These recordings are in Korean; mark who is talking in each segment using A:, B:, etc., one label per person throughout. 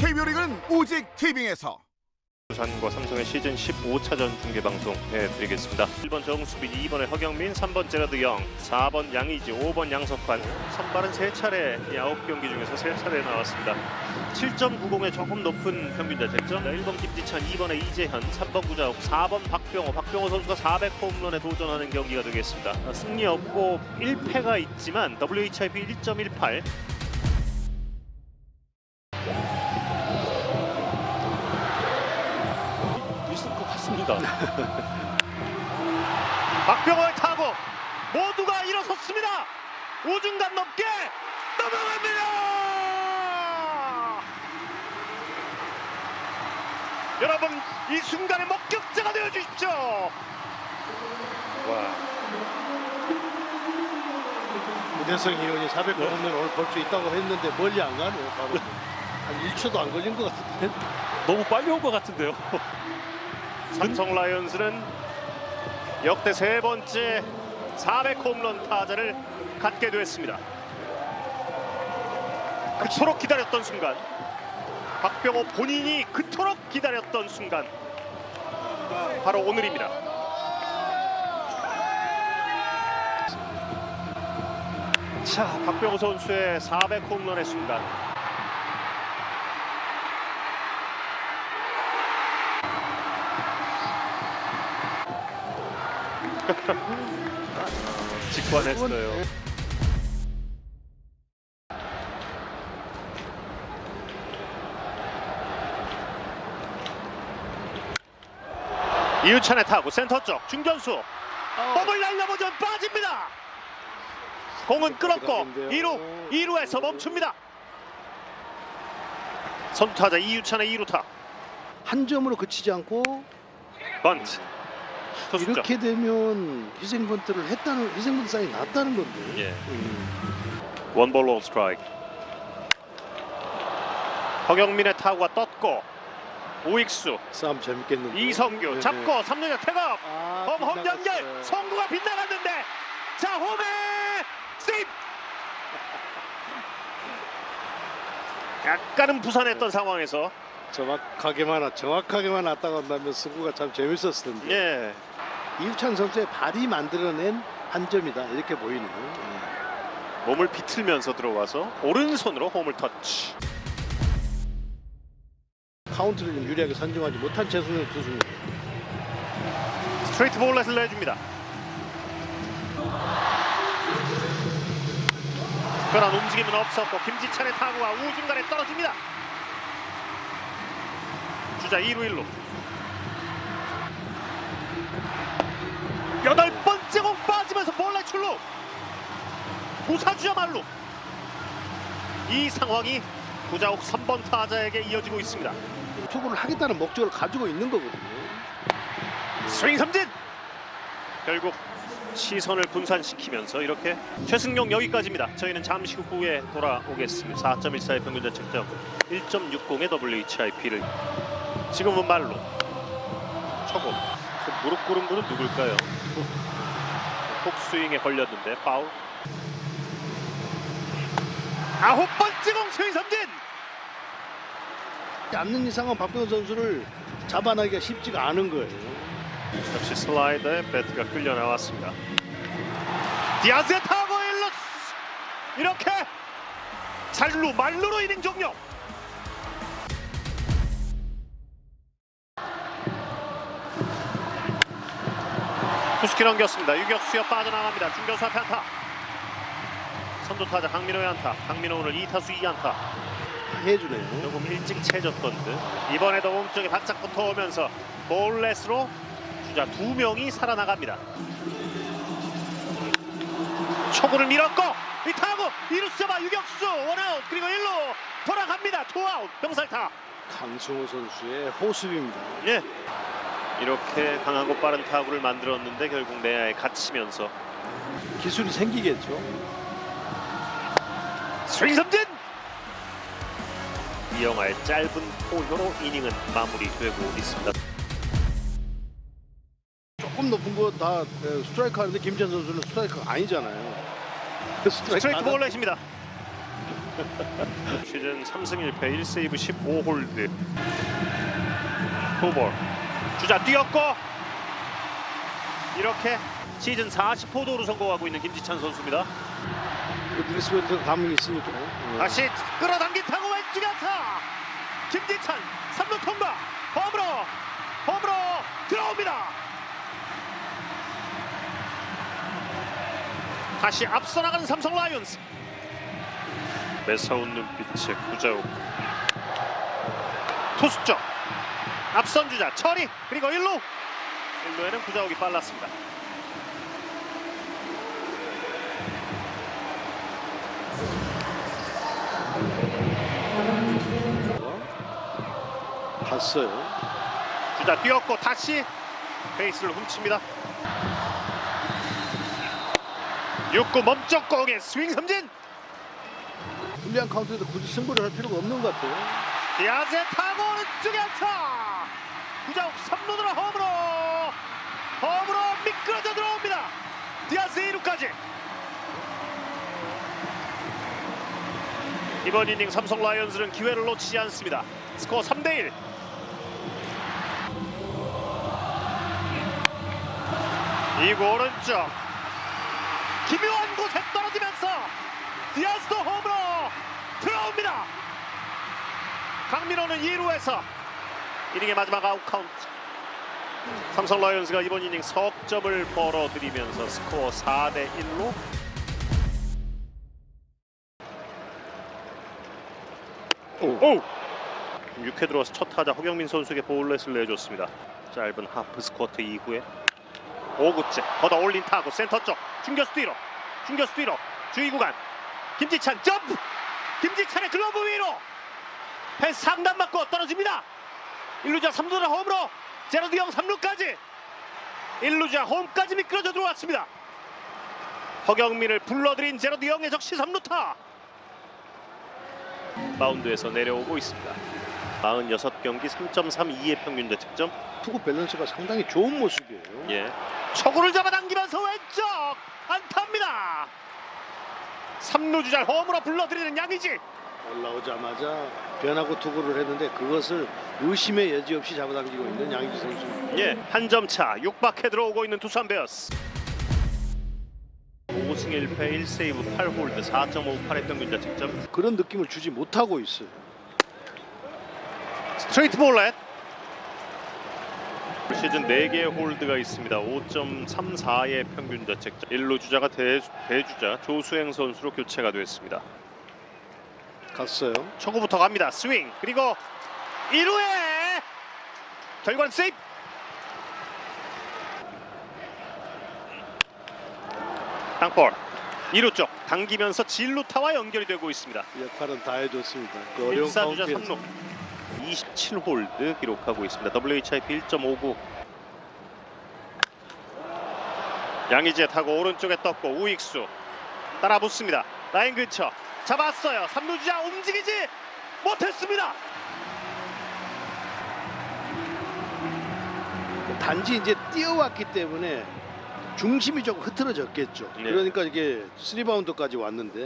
A: KBO 리그는 오직 티빙에서.
B: 두산과 삼성의 시즌 15차전 중계방송 해드리겠습니다. 1번 정수빈, 2번에 허경민, 3번 제라드영, 4번 양의지, 5번 양석환. 선발은 3차례, 9경기 중에서 3차례 나왔습니다. 7.90의 조금 높은 평균 자책점. 1번 김지찬, 2번에 이재현, 3번 구자욱, 4번 박병호 선수가 400홈런에 도전하는 경기가 되겠습니다. 승리 없고 1패가 있지만 WHIP 1.18. 박병호의 타구 모두가 일어섰습니다. 우중간 넘게 넘어갑니다. 여러분 이 순간의 목격자가 되어 주십시오. 와.
C: 문혜성 의원이 400홈런 오늘 볼 수 있다고 했는데 멀리 안 가네요. 바로 한 1초도 안 걸린 것 같은데.
D: 너무 빨리 온 것 같은데요.
B: 삼성 라이온즈는 역대 3번째 400홈런 타자를 갖게 됐습니다. 그토록 기다렸던 순간, 박병호 본인이 그토록 기다렸던 순간, 바로 오늘입니다. 자, 박병호 선수의 400홈런의 순간. 직관했어요. 이유찬의 타구 센터 쪽 중견수 몸을 날려보죠. 빠집니다. 공은 끌었고 2루에서 멈춥니다. 선두타자 이유찬의 2루타.
C: 한 점으로 그치지 않고
B: 번트. 투수죠.
C: 이렇게 되면 희생번트를 했다는, 희생번트 사인이 났다는 건데.
B: 예. 원볼 원 스트라이크. 허경민의 타구가 떴고 우익수
C: 싸움 재밌겠는데.
B: 이성규 잡고 3루자 태업. 홈 연결.
C: 빗나갔어요.
B: 성구가 빗나갔는데 자 홈에 세이브. 약간은 부산했던 상황에서
C: 정확하게만 왔다고 한다면 승부가 참 재밌었을 텐데.
B: 예.
C: 이우찬 선수의 발이 만들어낸 한 점이다 이렇게 보이네요. 예.
B: 몸을 비틀면서 들어와서 오른손으로 홈을 터치.
C: 카운트를 좀 유리하게 선정하지 못한 최승현 투수입니다.
B: 스트레이트 볼넷을 내줍니다. 특별한 움직임은 없었고 김지찬의 타구가 우중간에 떨어집니다. 주자 2루 1루. 8번째 공 빠지면서 볼넷 출루. 부사주자 말루. 이 상황이 구자욱 3번 타자에게 이어지고 있습니다.
C: 투구를 하겠다는 목적을 가지고 있는 거거든요.
B: 스윙 삼진. 결국 시선을 분산시키면서 이렇게 최승용 여기까지입니다. 저희는 잠시 후에 돌아오겠습니다. 4.14의 평균 자책점, 1.60의 WHIP를. 지금은 말로 초고. 무릎 꿇은 분은 누굴까요? 폭스윙에 걸렸는데 파울. 9번째 공 스윙 삼진.
C: 않는 이상은 박병호 선수를 잡아내기가 쉽지가 않은 거예요.
B: 역시 슬라이더에 배트가 끌려 나왔습니다. 디아즈의 타고 1루. 이렇게 잘루 말루로 이닝 종료. 투스키 넘겼습니다. 유격수여 빠져나갑니다. 중견수 앞에 안타. 선두타자 강민호의 안타. 강민호 오늘 2타수 2안타.
C: 해주네요.
B: 조금 일찍 채졌던 듯. 이번에도 몸쪽에 바짝 붙어오면서 볼넷으로 주자 2명이 살아나갑니다. 초구를 밀었고 이 타구 2루수 잡아 유격수 원아웃. 그리고 1루 돌아갑니다. 투아웃. 병살타.
C: 강승호 선수의 호수입니다.
B: 예. 이렇게 강하고 빠른 타구를 만들었는데 결국 내야에 갇히면서
C: 기술이 생기겠죠.
B: 스윙 삼진. 이영하의 짧은 포효로 이닝은 마무리되고 있습니다.
C: 조금 높은 거 다 스트라이크 하는데 김지찬 선수는 스트라이크가 아니잖아요.
B: 스트레이트 볼넷입니다. 시즌 3승 1패 1세이브 15홀드. 투볼. 주자 뛰었고 이렇게 시즌 40호도로 성공하고 있는 김지찬 선수입니다.
C: 닐스웨트 감이 있으니까.
B: 다시 끌어당긴 타고 왼쪽에 안타. 김지찬 3루 통과. 홈으로 들어옵니다. 다시 앞서 나가는 삼성 라이온즈. 매서운 눈빛의 구자욱. 투수 쪽 앞선 주자 처리 그리고 1루에는 구자욱이 빨랐습니다.
C: 갔어요.
B: 주자 뛰었고 다시 베이스를 훔칩니다. 6구 멈쩍 공의 스윙 삼진.
C: 불리한 카운트에서 굳이 승부를 할 필요가 없는 것 같아요.
B: 디아즈의 타고 오른쪽에 안타. 구자욱 3루으로 홈으로 미끄러져 들어옵니다. 디아즈 2루까지. 이번 이닝 삼성 라이온즈는 기회를 놓치지 않습니다. 스코어 3대1. 2구 오른쪽 기묘한 곳에 떨어지면서 디아즈도 홈으로 들어옵니다. 강민호는 2루에서 이닝의 마지막 아웃 카운트. 삼성 라이온즈가 이번 이닝 석점을 벌어들이면서 스코어 4대1로 6회 들어와서 첫 타자 허경민 선수에게 볼넷을 내줬습니다. 짧은 하프 스쿼트 이후에 5구째 걷어 올린 타구 센터 쪽 중견수 뒤로 주의 구간 김지찬 점프. 김지찬의 글러브 위로 펜스 상단 맞고 떨어집니다. 1루자 3루자 홈으로 제러드 영 3루까지 1루자 홈까지 미끄러져 들어왔습니다. 허경민을 불러들인 제러드 영의 적시 3루타. 마운드에서 내려오고 있습니다. 46경기 3.32의 평균 자책점.
C: 투구 밸런스가 상당히 좋은 모습이에요.
B: 예. 초구를 잡아당기면서 왼쪽 안타입니다. 3루 주자를 홈으로 불러들이는 양의지.
C: 올라오자마자 변화구 투구를 했는데 그것을 의심의 여지 없이 잡아당기고 있는 양의지 선수.
B: 예, 한 점 차 6박해 들어오고 있는 두산 베어스. 5승 1패 1세이브 8홀드 4.58의 평균 자책점.
C: 그런 느낌을 주지 못하고 있어요.
B: 스트레이트 볼넷. 올 시즌 4개의 홀드가 있습니다. 5.34의 평균 자책점. 1루 주자가 대주자 조수행 선수로 교체가 됐습니다.
C: 갔어요.
B: 초구부터 갑니다. 스윙 그리고 1루에 결과는 세이프. 땅볼 2루 쪽 당기면서 진루타와 연결이 되고 있습니다.
C: 역할은 다 해줬습니다. 그 어려운
B: 1사주자
C: 카운트에서.
B: 3루 27홀드 기록하고 있습니다. WHIP 1.59. 양의지에 타고 오른쪽에 떴고 우익수 따라 붙습니다. 라인 근처 잡았어요. 3루 주자 움직이지 못했습니다.
C: 단지 이제 뛰어왔기 때문에 중심이 조금 흐트러졌겠죠.
B: 네.
C: 그러니까 이게 3바운드까지 왔는데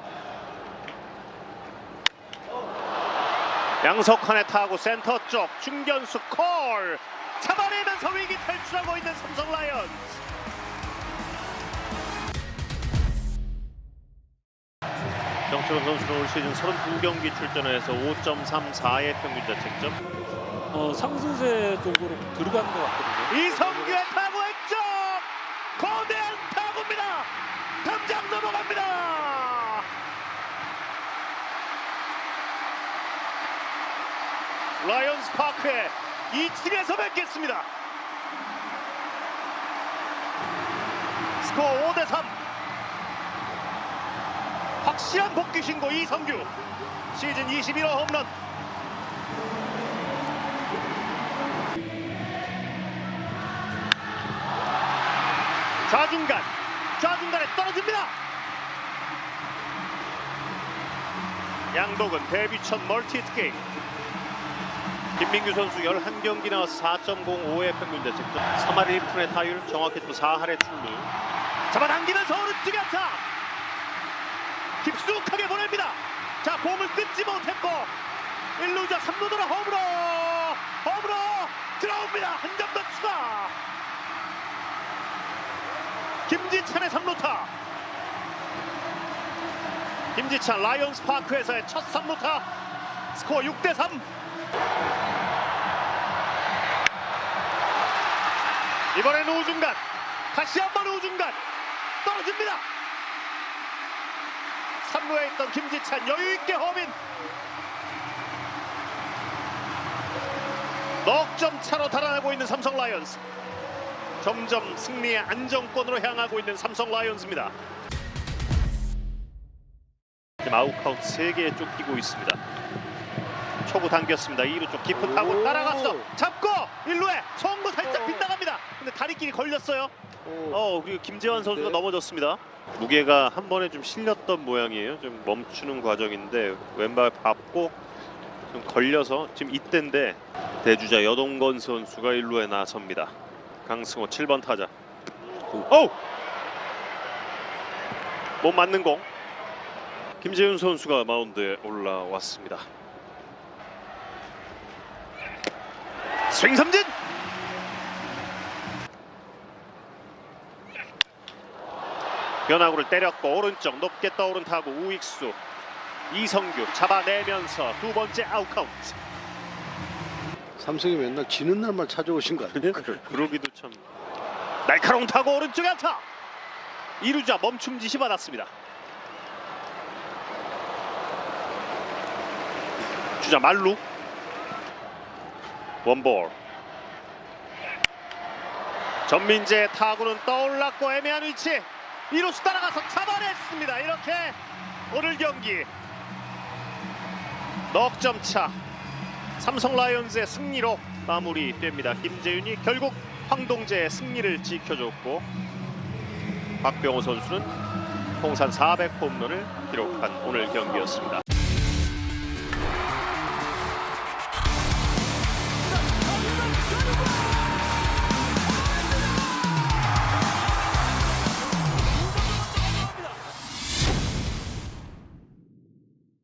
B: 양석환의 타구 센터 쪽 중견수 콜 잡아내면서 위기 탈출하고 있는 삼성 라이온즈. 정철원 선수는 올 시즌 32경기 출전해서 5.34의 평균 자책점.
D: 상승세 쪽으로 들어가는 것 같거든요.
B: 이성규의 타구 왼쪽 거대한 타구입니다. 담장 넘어갑니다. 라이온스 파크에 2층에서 뵙겠습니다. 스코어 5대3. 확실한 복귀 신고 이성규 시즌 21호 홈런. 좌중간에 떨어집니다. 양독은 데뷔 첫 멀티 히트게임. 김민규 선수 11경기 나와서 4.05의 평균 자책점. 3할 1푼의 타율, 정확히도 4할의 출루. 잡아당기면서 오른쪽에 안타. 깊숙하게 보냅니다. 자, 공을 끊지 못했고 1루자 3루 돌아 홈으로 들어옵니다. 한 점 더 추가. 김지찬의 3루타. 김지찬 라이온스 파크에서의 첫 3루타. 스코어 6대3. 이번엔 우중간, 다시 한번 우중간 떨어집니다. 3루에 있던 김지찬 여유있게 홈인. 넉 점 차로 달아나고 있는 삼성 라이온즈. 점점 승리의 안정권으로 향하고 있는 삼성 라이온즈입니다. 지금 아웃카운트 3개에 쫓기고 있습니다. 초구 당겼습니다. 2루 쪽 깊은 타구 따라갔어. 잡고 1루에 송구 살짝 빗나갑니다. 근데 다리끼리 걸렸어요. 그리고 김재환 선수가 넘어졌습니다. 무게가 한 번에 좀 실렸던 모양이에요. 좀 멈추는 과정인데 왼발 밟고 좀 걸려서 지금 이때인데 대주자 여동건 선수가 1루에 나섭니다. 강승호 7번 타자. 못 맞는 공. 김재윤 선수가 마운드에 올라왔습니다. 스윙 삼진. 변화구를 때렸고 오른쪽 높게 떠오른 타구 우익수 이성규 잡아내면서 두 번째 아웃카운트.
C: 삼성이 맨날 지는 날만 찾아오신 거 아니에요?
B: 그러기도 참. 날카로운 타구 오른쪽에 안타. 2루자 멈춤 지시 받았습니다. 주자 말루. 원볼. 전민재의 타구는 떠올랐고 애매한 위치. 2루수 따라가서 잡아냈습니다. 이렇게 오늘 경기 넉 점 차 삼성 라이온즈의 승리로 마무리됩니다. 김재윤이 결국 황동재의 승리를 지켜줬고 박병호 선수는 통산 400홈런을 기록한 오늘 경기였습니다.